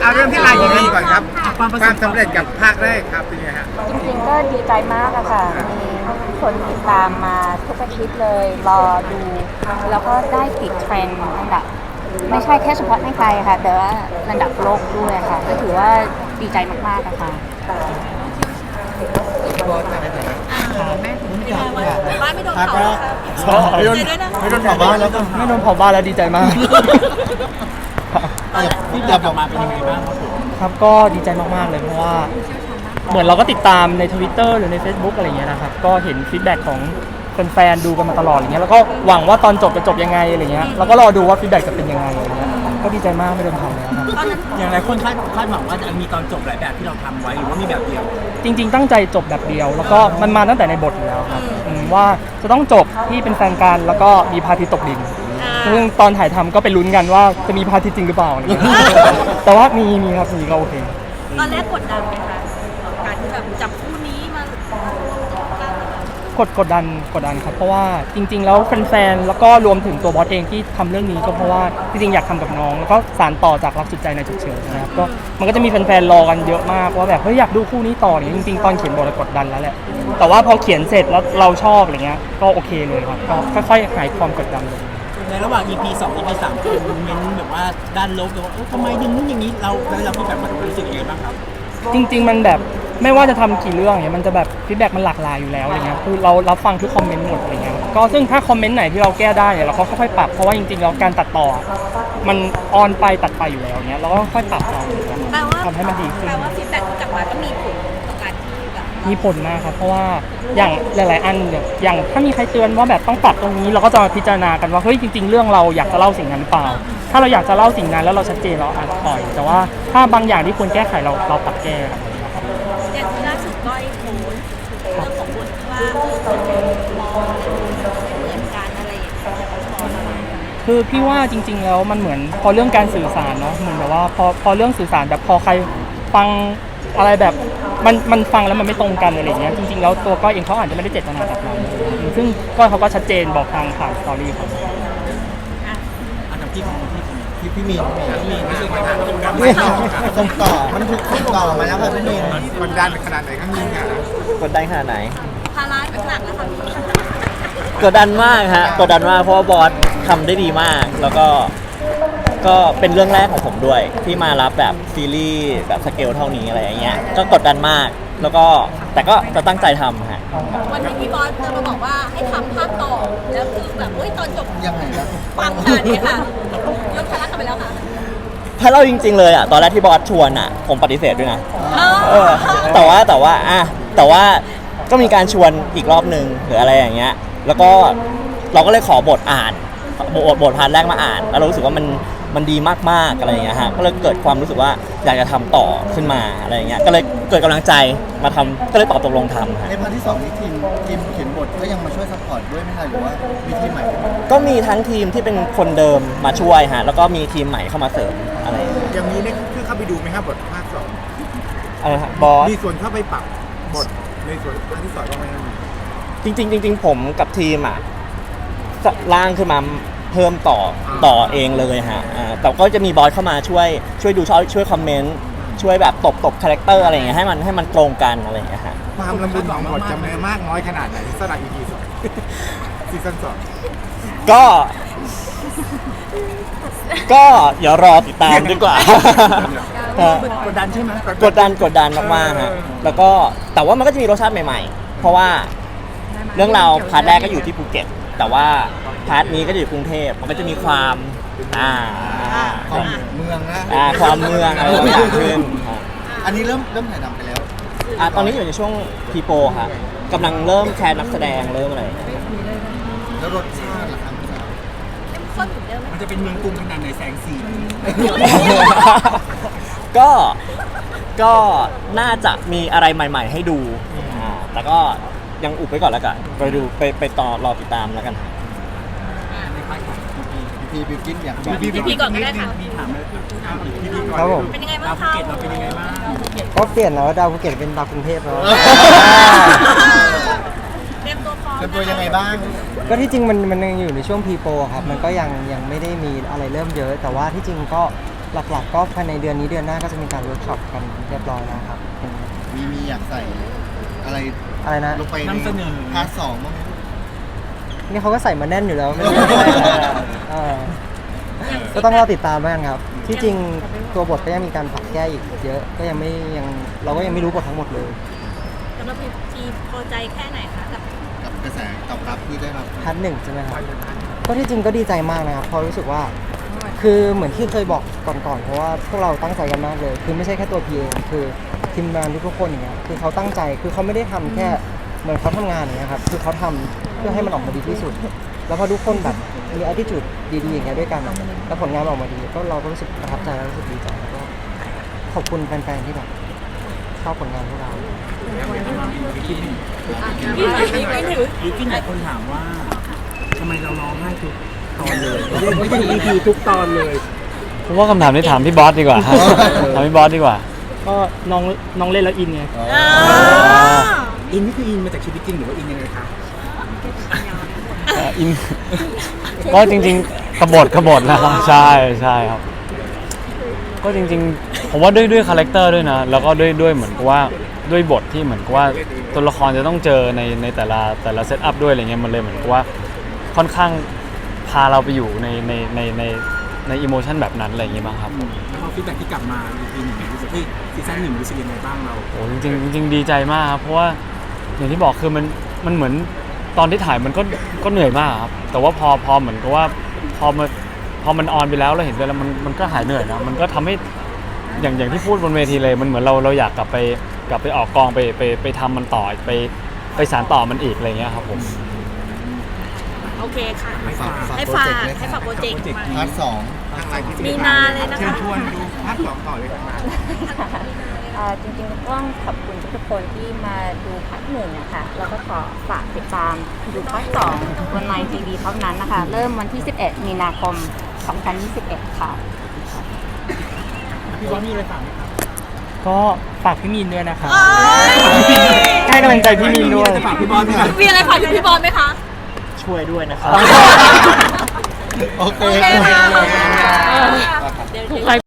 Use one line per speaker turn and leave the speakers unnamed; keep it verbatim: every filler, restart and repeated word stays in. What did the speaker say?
เอาเรื่องที่ลายอย่างนี้ก่อนครับความสำเร็จกับภาคแรกครับเป็นไงฮะ
จริงๆก็ดีใจมากอะค่ะมีคนติดตามมาทุกอาทิตย์เลยรอดูแล้วก็ได้ติดเทรนด์อันดับไม่ใช่แค่เฉพาะในไทยค่ะแต่ว่าระดับโลกด้วยค่ะก็ถือว่าดีใจมากๆอะค่ะ
แม่ถึงไม่ได้ว่าบ้านไม่โดน
ภาค
เผา
แรก
ไม่โดนด้วยนะ
ไม่โดนเผาบ้านแล้วก็
ไม่โดนเผาบ้านแล้วดีใจมาก
ที่จะออกมาเป็นยังไงบ้างครับผม
ครับก็ดีใจมากๆเลยเพราะว่าเหมือนเราก็ติดตามใน Twitter หรือใน Facebook อะไรอย่างเงี้ยนะครับก็เห็นฟีดแบ็กของแฟนๆดูกันมาตลอดอย่างเงี้ยแล้วก็หวังว่าตอนจบจะจบยังไงอะไรเงี้ยแล้วก็รอดูว่าฟีดแบ็กจะเป็นยังไงอะไรเงี้ยก็ดีใจมากไม่โดนเผาแล้วครับ
อย่างไรคนคาดคาดหวังว่าจะมีตอนจบหลายแบบที่เราทำไว้หรือว่ามีแบบเดียว
จริงๆตั้งใจจบแบบเดียว แล้วก็มันมาตั้งแต่ในบทอยู่แล้วครับอืมว่าจะต้องจบที่เป็นแฟนกันแล้วก็มีพระอาทิตย์ตกดินซึ่งตอนถ่ายทำก็ไปลุ้นกันว่าจะมีพระอาทิตย์จริงหรือเปล่าอะไรเงี้ยแต่ว่ามีมีครับมีก็โอเค
ตอนแรกกดดันไหมคะการที่แบบจับคู่นี้มาก
ดกดดันกดดันครับเพราะว่าจริงๆแล้วแฟนๆแล้วก็รวมถึงตัวบอสเองที่ทำเรื่องนี้ก็เพราะว่าจริงๆอยากทำกับน้องแล้วก็สานต่อจากรักสุดใจในฉุกเฉินนะครับก็มันก็จะมีแฟนๆรอกันเยอะมากว่าแบบเฮ้ยอยากดูคู่นี้ต่อเนี่ยจริงๆตอนเขียนบทเรากดดันแล้วแหละแต่ว่าพอเขียนเสร็จแล้วเราชอบอะไรเงี้ยก็โอเคเลยครับก็ค่อยๆหายความกดดันลง
ในระหว่าง อี พี สอง อี พี สามคือเม้นแบบว่าด้านลบเลยว่าเอ้ยทำไมดึงนู้นอย่างนี้เราแล้วเราพี่แบบมันรู้สึกยังไงบ้างครับ
จริงๆมันแบบไม่ว่าจะทำกี่เรื่องเนี่ยมันจะแบบฟีดแบ็กมันหลากหลายอยู่แล้วอะไรเงี้ยคือเรารับฟังทุกคอมเมนต์หมดอะไรเงี้ยก็ซึ่งถ้าคอมเมนต์ไหนที่เราแก้ได้เนี่ยเราก็ค่อยๆปรับเพราะว่าจริงๆแล้วการตัดต่อมันออนไปตัดไปอยู่แล้วเนี้ยเราก็ค่อยปรับเอา
แปลว่า
ทำให้มันดีขึ้น
แปลว่าฟีดแบ็กที่กลับมาก็มีผลต่อการที่แบบ
มีผลมากครับเพราะว่าอย่างหลายๆอันเนี่ยอย่างถ้ามีใครเตือนว่าแบบต้องปรับตรงนี้เราก็จะมาพิจารณากันว่าเฮ้ยจริงๆเรื่องเราอยากจะเล่าสิ่งนั้นหรือเปล่า ถ้าเราอยากจะเล่าสิ่งนั้นแล้วเราชัดเจนเราอาจจะปล่อยแต่ว่าถ้าบางอย่างที่ควรแก้ไขเราเราปรับแก้ครับ
อย่างที่ล่าสุดก้อยโพสต์เรื่องของบทว่าเออคนมองไม่เหมือนกันอะไรอย่างเงี้ยมองอะไร
คือพี่ว่าจริงๆแล้วมันเหมือนพอเรื่องการสื่อสารเนาะเหมือนแบบว่าพอพอเรื่องสื่อสารแบบพอใครฟังอะไรแบบมันมันฟังแล้วมันไม่ตรงกันอะไรอย่างเงี้ยจริงๆแล้วตัวก้อยเองเขาอาจจะไม่ได้เจตนาแบบนั้นซึ่งก้อยเขาก็ชัดเจนบอกทางผ่านสตอรี่ครับ
อันดับที่ของพี่ของ
พี่พี่มีน
พี่มีรู้สึกว่าทำตรงกัน
นี่ส่งต่อมันถูกส่งต่อมาแล้วค่ะพี่มีน
มันดันขนาดไหนข้างยิงอ่ะ
กดดันขนาดไหน
ภาระหนักแล้วค่ะพี่
กดดันมากฮะกดดันมากเพราะว่าบอสทำได้ดีมาก แล้วก็ก็เป็นเรื่องแรกของผมด้วย ที่มารับแบบซีรีส์แบบสเกลเท่านี้อะไรอย่างเงี้ยก็กดดันมาก แล้วก็แต่ก็จะตั้งใจทำฮะ
วันนี้พี่บอสจะมาบอกว่าให้ทำภาคต่อแล้วคือแบบเฮ้ยตอนจบ
ยังไงครับ
ปังขนาดนี้ค่ะยกภาระกลับไปแล้วค่ะ
ถ้าเล่าจริง ๆ เลยอ่ะตอนแรกที่บอสชวนอ่ะผมปฏิเสธด้วยนะ เออแต่ว่าแต่ว่าอ่ะแต่ว่าก็มีการชวนอีกรอบนึงหรืออะไรอย่างเงี้ยแล้วก็เราก็เลยขอบทอ่านบทบทพาร์ทแรกมาอ่าน แล้วเรารู้สึกว่ามันมันดีมากๆอะไรอย่างเงี้ยฮะก็เลยเกิดความรู้สึกว่าอยากจะทำต่อขึ้นมาอะไรอย่างเงี้ยก็เลยเกิดกำลังใจมาทำก็เลยตอบตกลงทำฮะ
ในพาร์ทที่สองนี้ทีมทีมเขียนบทก็ยังมาช่วยซัพพอร์ตด้วยไหมคะหรือว่ามีทีมใหม่ขึ้นมา
ก็มีทั้งทีมที่เป็นคนเดิมมาช่วยฮะแล้วก็มีทีมใหม่เข้ามาเสริมอะไรอย่างเงี้ย
อย่างนี้เนี่ยคือเข้าไปดูไหมครับบทภาคสอง
อะไรฮะบอส
มีส่วนเข้าไปปรับบทในส่วนภาคที่สองบ้างไหมครับ
จริงๆจริงๆผมกับทีมอ่ะจะร่างขึ้นมาเพิ่มต่อต่อเองเลยฮะอ่าแต่ก็จะมีบอสเข้ามาช่วยช่วยดูช่วยช่วยคอมเมนต์ช่วยแบบตบตบคาแรคเตอร์อะไรอย่างเงี้ยให้มันให้มันตรงกันอะไรอย่างเงี้ยฮะ
ความละมุนของบทจะมีมากน้อยขนาดไหนสำหรับ อี พี สองซีซั่นสอง
ก็ ก็เดี๋ยวรอติดตามดีกว่า ฮะ
กดดันใช่ไหม
กดดันกดดันมากๆฮะแล้วก็แต่ว่ามันก็จะมีรสชาติใหม่ๆ เพราะว่าเรื่องราวพาร์ทแรกก็อยู่ที่ภูเก็ตแต่ว่าพาร์ทนี้ก็จะอยู่กรุงเทพมันก็จะมีความอ่า
ของเมืองนะ
อ่าความเมืองอะไรต่างๆขึ้นฮะ
อันนี้เริ่มเริ่มถ่ายทำไปแล้ว
อ่าตอนนี้อยู่ในช่วงพีโปค่ะกำลังเริ่มแคสนักแสดงเริ่มอะไร
แล้วรสชาติล่ะครับ
เข้มข้นเหมือนเดิมไหม
มันจะเป็นเมืองกรุงขนาดไหนแสงสี
ก็ก็น่าจะมีอะไรใหม่ ๆ ให้ดูอ่าแต่ก็ยังอุบไว้ก่อนแล้วกันไปดูไปไปต่อรอติดตามแล้วกัน
พี่บิวกินอย่าง
พี่พี่ก่อนก็ได้ค่ะ
พี่ถามเลย
ครับผม
เป็นยังไงบ้า
ดาง วภู
คะ
เก็ตเราเป็นยังไงบ้าง
ก็เปลี่ยนแล้วดาวภูเก็ตเป็นดาวกรุงเทพแล้ว
เตรียมตัวพร้อม
เป็นตัวยังไงบ้าง
ก็ที่จริงมันมันยังอยู่ในช่วงพีโปครับมันก็ยังยังไม่ได้มีอะไรเริ่มเยอะ แต่ว่าที่จริงก็หลักๆ ก็ภายในเดือนนี้เดือนหน้าก็จะมีการเวิร์กช็อปกันเรียบร้อยแล้วครับเป็น
มีมีอยากใส่อะไร
อะไรนะ
ลงไปใน
นำเสนอ
พาร์ทสองบ้างไหม
นี่เขาก็ใส่มาแน่นอยู่แล้วไม่ต้องใส่อะไรอะเออก็ต้องรอติดตามบ้างครับ ที่จริงตัวบทก็ยังมีการปรับแก้อีกเยอะ ก็ยังไม่ยังเราก็ยังไม่รู้บททั้งหมดเลย
สำหรับพีพีพอใจแค่ไหนคะกับ
กับกระแสตอบรับที่ได้รับ
พาร์ทหนึ่งใช่ไหมครับก็ที่จริงก็ดีใจมากนะครับเพราะรู้สึกว่า คือเหมือนที่เคยบอกก่อนๆเพราะว่าพวกเราตั้งใจกันมากเลย คือไม่ใช่แค่ตัวพีเองคือทีมงานทุกๆคนอย่างเงี้ยคือเขาตั้งใจคือเขาไม่ได้ทำแค่เหมือนเขาทำงานอย่างเงี้ยครับคือเขาทำเพื่อให้มันออกมาดีที่สุด แล้วพอทุกคนแบบมี attitude ดีๆอย่างเงี้ยด้วยกันแล้วผลงานมันออกมาดีก็เราก็รู้สึกประทับใจแล้วรู้สึกดีใจแล้วก็ขอบคุณแฟนๆที่แบบชอบผลงานพวกเรา
ยูกินหลายคนถามว่าทำไมเราร้องไห้ทุกตอนเลยไม่ใช่ อี พี ทุกตอนเลย
ผมว่าคำถามนี้ถามพี่บอสดีกว่า ถามพี่บอสดีกว่า
ก็น้องน้องเล่นแล้วอินไง
อินนี่คืออินมาจากชีวิตจริงหรือว่าอินยังไงคะ
เอ่ออิน ก็จริงๆขบฏขบฏนะครับใช่ใช่ครับ ก็จริงๆ ผมว่าด้วยด้วยคาแรคเตอร์ด้วยนะ แล้วก็ด้วยด้วยเหมือนกับว่าด้วยบทที่เหมือนกับว่าตัวละครจะต้องเจอในในแต่ละแต่ละเซตอัพด้วยอะไรเงี้ยมันเลยเหมือนกับว่าค่อนข้างพาเราไปอยู่ในในในในในอิโมชันแบบนั้นอะไรอย่างเงี้ยบ้างครับ
แล้วพอฟีดแบ็กที่กลับมา อี พี หนึ่งรู้สึกเฮ้ยซีซั่นหนึ่งรู้สึกยังไงบ้างเรา
โอ้จริงๆจริงๆดีใจมากครับเพราะว่าอย่างที่บอกคือมันมันเหมือนตอนที่ถ่ายมันก็ก็เหนื่อยมากครับแต่ว่าพอพอเหมือนกับว่าพอมันพอมันออนไปแล้วเราเห็นไปแล้วมันมันก็หายเหนื่อยนะมันก็ทำให้อย่างอย่างที่พูดบนเวทีเลยมันเหมือนเราเราอยากกลับไปกลับไปออกกองไปไปไปทำมันต่อไปไปสานต่อมันอีกอะไรเงี้ยครับผม
โอเคค่ะ
ฝากฝาก
ให้
โปร
ฝา
เจก
ก
ต์เลย
ให้ฝากโปรเจกต์มา
พาร์ทสอง
ทางไลน์ที่
มีนาเลยนะคะ
เชิญชวนดูภาคสองต่อเลยครับ
เอ่อจริงๆต้องขอบคุณทุกคนที่มาดูพาร์ทหนึ่งนะคะแล้วก็ขอฝากติดตามดูพาร์ทสองบนไลน์ทีวีเท่านั้นนะคะ เริ่มวันที่ สิบเอ็ด มีนาคม สองพันยี่สิบเอ็ด ค่ะ
พี่บอสมีอะไรฝากไหมครับ
ก็ฝากพี่มีนด้วยนะครับให้กำลังใจพี่มีนด้วย
จะฝากพี่บอสไหมครับ
มีอะไรฝากถึงพี่บอลไหมคะ
ช่วยด้วยนะครับ
โอเค
โอเคค่ะเดี๋ยว